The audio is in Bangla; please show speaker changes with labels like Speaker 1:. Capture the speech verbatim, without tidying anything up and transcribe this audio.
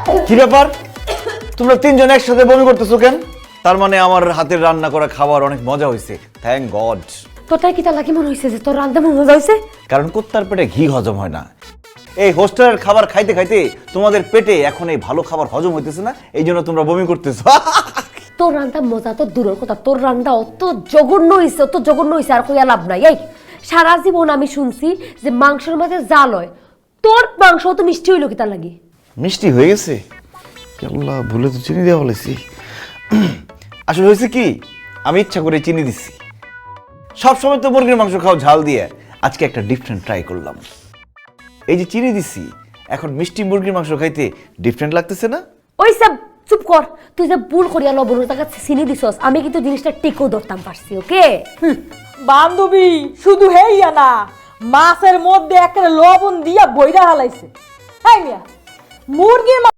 Speaker 1: কি ব্যাপার, তোমরা তিনজন একসাথে বমি করতেছো কেন? তার মানে আমার হাতের রান্না করা খাবার অনেক মজা হয়েছে, থ্যাংক গড।
Speaker 2: তোরটাই কি তা লাগি মনে হয়েছে যে তোর রান্না মজা হয়েছে?
Speaker 1: কারণ কুত্তার পেটে ঘি হজম হয় না। এই হোস্টেলের খাবার খাইতে খাইতে তোমাদের পেটে এখন এই ভালো খাবার হজম হইতেছে না, এই জন্য তোমরা বমি করতেছো।
Speaker 2: তোর রান্না মজা তো দূরের কথা, তোর রান্না অত জঘন্য হয়েছে, অত জঘন্য হয়েছে আর কইয়া লাভ নাই। এই সারা জীবন আমি শুনছি যে মাংসের মাঝে জাল হয়, তোর মাংস তো মিষ্টি হইলো কি তার লাগি?
Speaker 1: মিষ্টি হয়ে গেছে? আল্লাহ, ভুলে তো চিনি দেওয়া বলেছি। আসলে হয়েছে কি, আমি ইচ্ছা করে চিনি দিচ্ছি। সবসময় তো মুরগির মাংস খাও ঝাল দিয়ে, আজকে একটা ডিফারেন্ট ট্রাই করলাম। এই যে চিনি দিচ্ছি, এখন মিষ্টি মুরগির মাংস খাইতে ডিফারেন্ট লাগতেছে না?
Speaker 2: ওই সব চুপ কর, তুই যে ভুল করিয়া লবণের টাকা চিনি দিছস, আমি কিন্তু জিনিসটা টিকো ধরতাম পারছি। ওকে
Speaker 3: বান্ধবী, শুধু হেইয়া না, মাছের মধ্যে একটা লবণ দিয়া বইরা হালাইছে। হাই মিয়া, মুরগির